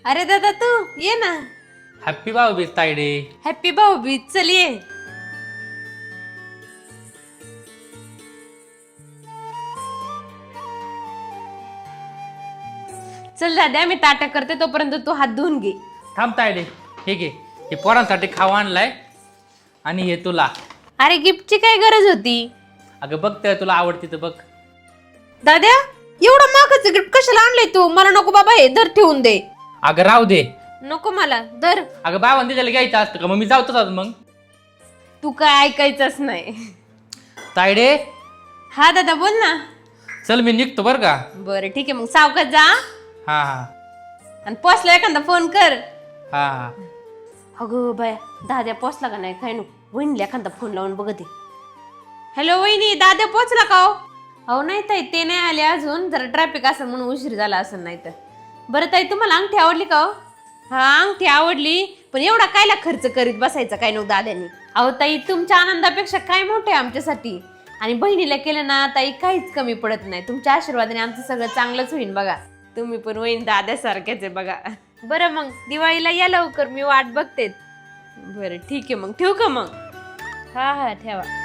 अरे दादा तू ये ना. हॅप्पी भाऊबीज तायडे. हॅप्पी भाऊबीज. चल ये. चल दादा मी ताटा करते तोपर्यंत तू हात धुवून घे. थांब तायडे. हे घे, हे पोरांसाठी खावा आणलाय आणि हे तुला. अरे गिफ्टची काय गरज होती? अगं बघ तर तुला आवडती तर बघ. दादा एवढं महागाचं गिफ्ट कशाला आणलंय तू? मला नको बाबा, हे धर ठेवून दे. अगं राहू दे. नको मला, धर. अगं बाबांनी त्याला घ्यायचं असतं का? मग मी जाऊतच मग. तू काय ऐकायचंच नाही. तायडे हा दादा बोल ना. चल मी निघतो बरं का. बरं ठीक आहे, मग सावकाश जा हा हा आणि पोचला एखादा फोन कर. हा हा. अगं बाया, दाद्या पोचला का नाही काय नको. वहिनीला एखादा फोन लावून बघते. हॅलो वहिनी, दाद्या पोचला का हो? अहो नाही ताई, ते नाही आले अजून, जरा ट्रॅफिक असेल म्हणून उशीर झाला असेल. नाही तर बरं ताई, तुम्हाला अंगठी आवडली का हो? हा अंगठी आवडली, पण एवढा कायला खर्च करीत बसायचा काय नव्हतं दाद्यानी. अहो ताई, तुमच्या आनंदापेक्षा काय मोठं आहे आमच्यासाठी. आणि बहिणीला केलं ना ताई, काहीच कमी पडत नाही. तुमच्या आशीर्वादाने आमचं सगळं चांगलंच होईल बघा. तुम्ही पण वहिनी दाद्यासारख्याच आहे बघा. बरं मग दिवाळीला या लवकर, मी वाट बघते. बरं ठीक आहे, मग ठेवू का मग? हा हा ठेवा.